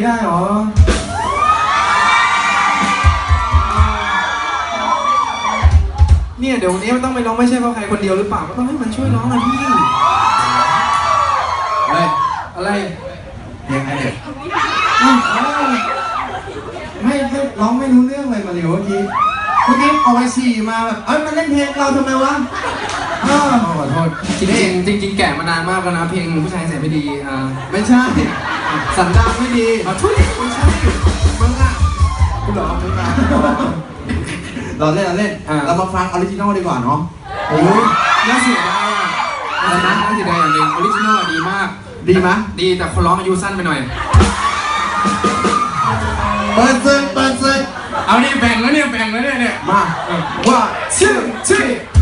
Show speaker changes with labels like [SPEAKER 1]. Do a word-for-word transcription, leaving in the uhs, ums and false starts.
[SPEAKER 1] ได้หรอเนี่ยเดี๋ยววันนี้มันต้องไปร้องไม่ใช่เพราะใครคนเดียวหรือเปล่าก็ต้องให้มันช่วยร้องนะพี่อะไรอะไรยังไงเนี่ยไม่ไม่ร้องไม่รู้เรื่องเลยมาเร็วเมื่อกี้เมื่อกี้เอาไว้ฉี่มาแบบเอ้ยมันเล่นเพลงเราทำไมวะขอโทษจริงจริงจริงแก่มานานมากแล้วนะเพลงผู้ชายเสียไม่ดีอ่าไม่ใช่สันดานไม่ดีขอโทษไม่ใช่มึงอ่ะกูหลอกมึงอ่ะเราเล่นเราเล่นเรามาฟังออริจินอลดีกว่าเนาะโอ้ยน่าเสียดายอ่ะน่าเสียดายน่าเสียดายอย่างหนึ่งออริจินอลดีมากดีมั้ยดีแต่คนร้องอายุสั้นไปหน่อยเปิดซึเปิดซึเอาเนี่ยแบ่งแล้วเนี่ยแบ่งแล้วเนี่ยเนี่ยมาว่าชื่อชื่อ